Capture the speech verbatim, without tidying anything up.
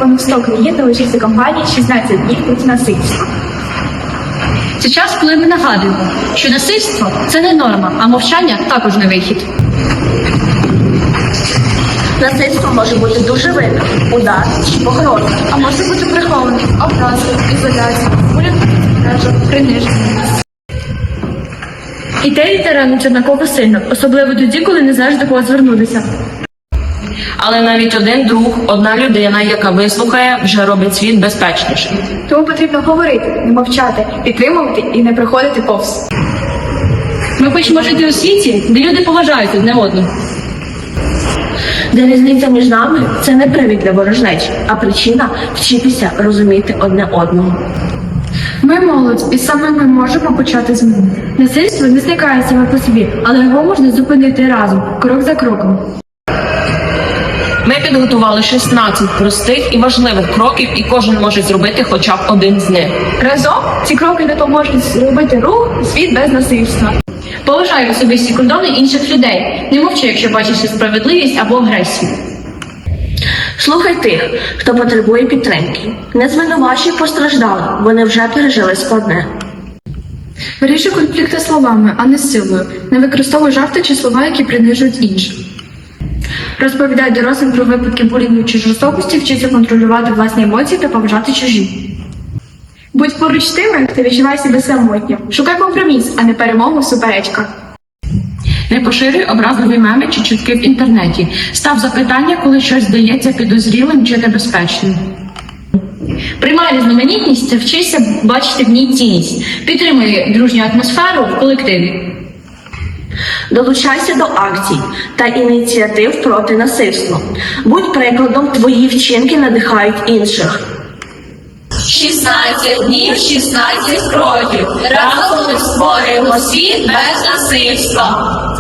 понад сто країн долучився кампанії шістнадцять днів проти насильства. Це час, коли ми нагадуємо, що насильство – це не норма, а мовчання також не вихід. Насильство може бути дуже видно, удар чи погроза. А може бути прихований, образи, ізоляція, буря, приниження. І те, і те ранить однаково сильно, особливо тоді, коли не знаєш, до кого звернутися. Але навіть один друг, одна людина, яка вислухає, вже робить світ безпечнішим. Тому потрібно говорити, не мовчати, підтримувати і не приходити повз. Ми хочемо жити у світі, де люди поважають одне одного. Де різниця між нами – це не привід для ворожнечі, а причина вчитися розуміти одне одного. Ми молодь, і саме ми можемо почати зміну. Насильство не зникає саме по собі, але його можна зупинити разом, крок за кроком. Ми підготували шістнадцять простих і важливих кроків, і кожен може зробити хоча б один з них. Разом ці кроки допоможуть зробити рух і світ без насильства. Поважай особисті кордони інших людей. Не мовчи, якщо бачиш несправедливість або агресію. Слухай тих, хто потребує підтримки. Не звинувачуй постраждалих, вони вже пережили складне. Вирішуй конфлікти словами, а не силою. Не використовуй жарти чи слова, які принижують інших. Розповідай дорослим про випадки булінгу чи жорстокості, вчися контролювати власні емоції та поважати чужі. Будь поруч з тими, хто відчуває себе самотньо. Шукай компроміс, а не перемогу в суперечках. Не поширюй образливі меми чи чутки в інтернеті. Став запитання, коли щось здається підозрілим чи небезпечним. Приймай різноманітність та вчися бачити в ній цінність. Підтримуй дружню атмосферу в колективі. Долучайся до акцій та ініціатив проти насильства. Будь прикладом, твої вчинки надихають інших. шістнадцять днів, шістнадцять кроків. Разом ми створюємо світ без насильства.